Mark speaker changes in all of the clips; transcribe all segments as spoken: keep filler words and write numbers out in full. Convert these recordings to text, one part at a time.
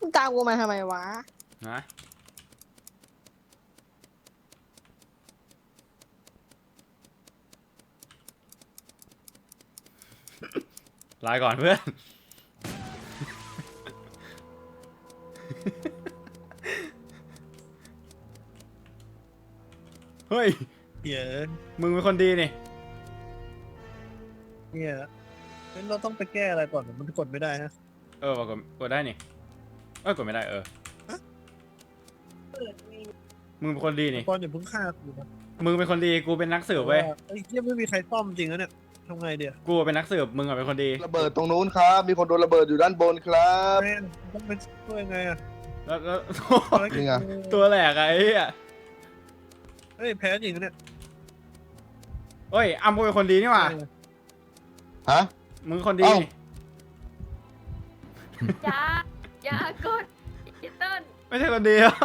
Speaker 1: มึงตามกูมาทำไมวะ
Speaker 2: นะลาก่อนเพื่อนเฮ้ย
Speaker 3: เหี้ย
Speaker 2: มึงเป็นคนดีนี่
Speaker 3: เนี่ยงั้นเราต้องไปแก้อะไรก่อนมันกดไม่ได้ฮะ
Speaker 2: เออว่ะกดกดได้นี่เอ้ยกดไม่ได้เออมึงเป็นคนดีนี่
Speaker 3: ก่อนอย่าเพิ่งฆ่ากูนะ
Speaker 2: มึงเป็นคนดีกูเป็นนักสืบเว้ย
Speaker 3: ไอ้เหี้ยไม่มีใครซ่อมจริงนะเนี่ยทำไงเดี๋ยว
Speaker 2: กูเป็นนักสืบมึงอะเป็นคนดี
Speaker 4: ระเบิดตรงนู้นครับ มีคนโดนระเบิดอยู่ด้านบนครับ
Speaker 3: แม่งต้องไปช่วยไงอะ
Speaker 2: แล้วแล้ว
Speaker 4: นี่ไง
Speaker 2: ตัวแหลกอะไอ้เหี้ย
Speaker 3: เฮ้ยแพ้จริงนะเนี่ย
Speaker 2: เฮ้ยอ้ำกูเป็นคนดีนี่หว่า
Speaker 4: ฮะ
Speaker 2: มึงคนดี
Speaker 4: เอ้า
Speaker 2: นี่
Speaker 5: อย่าอย่ากดอีเติ้ล
Speaker 2: ไม่ใช่คนดีหรอ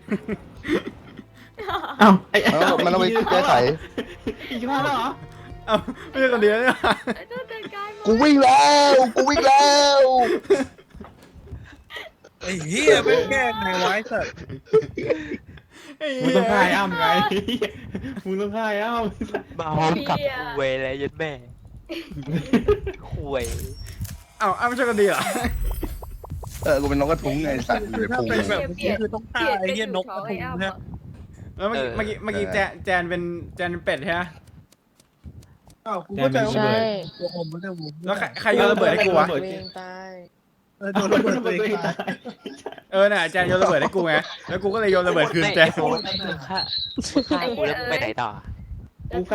Speaker 6: เอ้าไอ้
Speaker 4: มันต้องมันต้องไปแก้ไข
Speaker 6: อีกแล้วเหรอ
Speaker 2: เอ้าไม่ใช่คนดีแล้วนี่หว่า
Speaker 5: ไอ้เติ้ลจัดการมัน
Speaker 4: กูวิ่งแล้ว กูวิ่งแล้ว
Speaker 3: ไอ้เหี้ยไม่แก้ไงไว้สัตว์
Speaker 2: ไอ้
Speaker 6: มึง
Speaker 2: เหี้
Speaker 6: ต้องฆ่าย อ้ำไงมึงต้องฆ่าอ้ำ
Speaker 7: มาพร้อมกับคุยเลยยัดแม่คุย
Speaker 2: เอ้าอ้ำไม่ใช่คนดีเหรอ
Speaker 4: เออ กูเป็นนกกระทุ้งไงสัตว์อยู่ใน
Speaker 3: ถ้า
Speaker 4: พุง
Speaker 3: เป็นแบบนี้คือต้องฆ่าไอ้เหี้ยนกกระทุงนะ
Speaker 2: แล้วเมื่อกี้เมื่อกี้เมื่อกี้แจนแจนเป็นแจนเป็นเป็ดใช่ไหม
Speaker 3: อ้าวกูก็จะเอา
Speaker 1: ใช่
Speaker 3: ตัวอมมันจะมุม
Speaker 2: แล้วใครใครโยนระเบิดให้กูวะ
Speaker 1: ตัวเองตาย
Speaker 3: เออโดนระเบิดตัวเองตาย
Speaker 2: เออน่ะแจนโยนระเบิดให้กูไงแล้วกูก็เลยโยนระเบิดคืนแจน
Speaker 7: ไม่ค่าค่ากูแล้วไปไหนต่อ